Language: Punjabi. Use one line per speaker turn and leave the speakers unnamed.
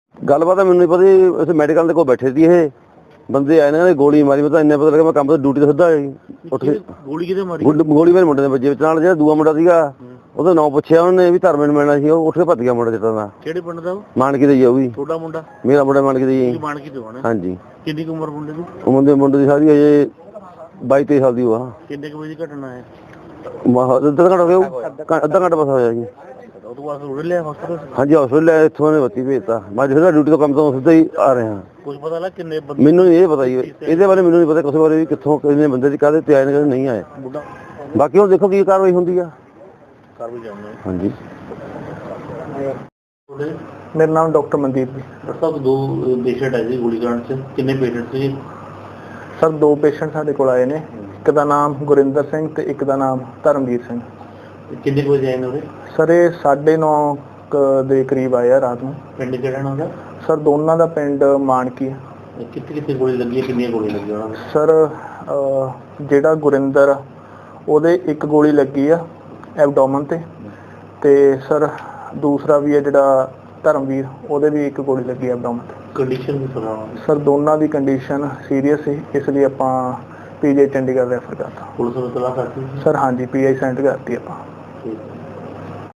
ਗੱਲਬਾਤ ਮੈਨੂੰ ਨਹੀਂ ਪਤਾ ਜੀ, ਅਸੀਂ ਮੈਡੀਕਲ ਦੇ ਕੋਲ ਬੈਠੇ ਸੀ, ਇਹ ਬੰਦੇ ਆਏ ਨੇ ਗੋਲੀ ਮਾਰੀ। ਮੈਂ ਤਾਂ ਇੰਨੇ ਪਤਾ ਲੱਗਾ ਮੈਂ ਕੰਮ ਤੋਂ ਡਿਊਟੀ ਤੋਂ ਸਿੱਧਾ ਉੱਠ ਕੇ
ਗੋਲੀ ਕਿਤੇ ਮਾਰੀ?
ਗੋਲੀ ਮੇਰੇ ਮੁੰਡੇ ਦੇ ਵੱਜੇ ਵਿੱਚ, ਨਾਲ ਜਿਹੜਾ ਦੂਆ ਮੁੰਡਾ ਸੀਗਾ ਉਹਦਾ ਨਾਂ ਪੁੱਛਿਆ ਉਹਨੇ ਵੀ ਧਰਮੇਨ ਮਿਲਣਾ ਸੀ, ਉਹ ਉੱਠ ਕੇ ਭੱਜ ਗਿਆ ਮੁੰਡਾ ਜੱਟਾਂ ਦਾ।
ਕਿਹੜੇ ਪਿੰਡ ਦਾ ਉਹ?
ਮਾਨਕੀ ਦਾ ਜੀ। ਉਹ ਵੀ
ਤੁਹਾਡਾ ਮੁੰਡਾ?
ਮੇਰਾ ਮੁੰਡਾ ਮਾਨਕੀ ਦਾ ਜੀ।
ਮਾਨਕੀ ਤੋਂ ਆਣਾ?
ਹਾਂਜੀ।
ਕਿੰਨੀ ਕੁ ਉਮਰ ਮੁੰਡੇ ਦੀ?
ਉਹ ਮੁੰਡੇ ਦੀ ਸਾਰੀ ਹਜੇ 22-23 ਸਾਲ ਦੀ ਉਹ ਆ।
ਕਿੰਨੇ ਕੁ ਵਜੇ ਦੀ ਘਟਨਾ ਹੈ?
ਅੱਧਾ ਘੰਟਾ ਹੋ ਗਿਆ, ਅੱਧਾ ਘੰਟਾ ਬਸ ਹੋਇਆ ਜੀ।
ਉਹ ਤੋਂ ਬਾਅਦ ਉੜ ਲਿਆ ਹਸਪਤਾਲ?
ਹਾਂਜੀ ਹਸਪਤਾਲ ਇੱਥੋਂ ਨੇ ਬੱਤੀ ਭੇਜਤਾ। ਮੈਂ ਜਿਹੜਾ ਡਿਊਟੀ ਤੋਂ ਕੰਮ ਤੋਂ ਸਿੱਧਾ ਹੀ ਆ ਰਿਹਾ।
ਕੁਝ ਪਤਾ ਲੱਗਾ ਕਿੰਨੇ ਬੰਦੇ?
ਮੈਨੂੰ ਇਹ ਪਤਾ ਜੀ, ਇਹਦੇ ਬਾਰੇ ਮੈਨੂੰ ਨਹੀਂ ਪਤਾ ਕਿਸੇ ਬਾਰੇ ਵੀ ਕਿੱਥੋਂ ਕਿੰਨੇ ਬੰਦੇ ਦੀ ਕਾਹਦੇ ਤੇ ਆਏ ਨੇ, ਨਹੀਂ ਆਏ। ਬਾਕੀ ਹੁਣ ਦੇਖੋ ਕੀ ਕਾਰਵਾਈ ਹੁੰਦੀ ਆ। ਹਾਂਜੀ।
ਮੇਰਾ ਨਾਮ ਡਾਕਟਰ ਮਨਦੀਪ ਜੀ।
ਡਾਕਟਰ ਸਾਹਿਬ, 2 ਪੇਸ਼ੈਂਟ ਆਏ ਸੀ ਗੋਲੀकांड 'ਚ, ਕਿੰਨੇ ਪੇਸ਼ੈਂਟ ਸੀ?
ਸਰ 2 ਪੇਸ਼ੈਂਟ ਸਾਡੇ ਕੋਲ ਆਏ ਨੇ, ਇੱਕ ਦਾ ਨਾਮ ਗੁਰਿੰਦਰ ਸਿੰਘ ਤੇ ਇੱਕ ਦਾ ਨਾਮ ਧਰਮਵੀਰ ਸਿੰਘ।
ਕਿੰਨੇ ਵਜੇ ਆਏ ਨੇ ਉਹਦੇ?
ਸਰ ਇਹ 9:30 ਦੇ ਕਰੀਬ ਆਏ ਆ ਰਾਤ ਨੂੰ।
ਪਿੰਡ ਕਿਹੜਾ ਨਾ ਉਹਦਾ?
ਸਰ ਦੋਨਾਂ ਦਾ ਪਿੰਡ ਮਾਨਕੀ ਹੈ।
ਕਿੱਥੇ ਕਿੱਥੇ ਗੋਲੀ ਲੱਗੀ ਹੈ, ਕਿੰਨੀਆਂ ਗੋਲੀਆਂ ਲੱਗੀਆਂ ਉਹਨਾਂ ਨੂੰ?
ਸਰ ਜਿਹੜਾ ਗੁਰਿੰਦਰ ਉਹਦੇ 1 ਗੋਲੀ ਲੱਗੀ ਆ ਐਬਡੋਮਨ ਤੇ ਸਰ ਦੂਸਰਾ ਵੀ ਹੈ ਜਿਹੜਾ ਧਰਮਵੀਰ, ਉਹਦੇ ਵੀ 1 ਗੋਲੀ ਲੱਗੀ ਐਬਡੋਮਨ ਤੇ।
ਕੰਡੀਸ਼ਨ ਵੀ ਸੁਣਾਓ
ਸਰ ਦੋਨਾਂ ਦੀ ਕੰਡੀਸ਼ਨ ਸੀਰੀਅਸ ਸੀ, ਇਸ ਲਈ ਆਪਾਂ ਪੀਜੀ ਚੰਡੀਗੜ੍ਹ ਰੈਫਰ ਕਰਤਾ।
ਪੁਲਿਸ ਨੂੰ ਤਲਾਸ਼ ਕਰਤੀ?
ਸਰ ਹਾਂਜੀ, ਪੀਆਈ ਸੈਂਡ ਕਰਤੀ ਆਪਾਂ।
ਠੀਕ ਹੈ।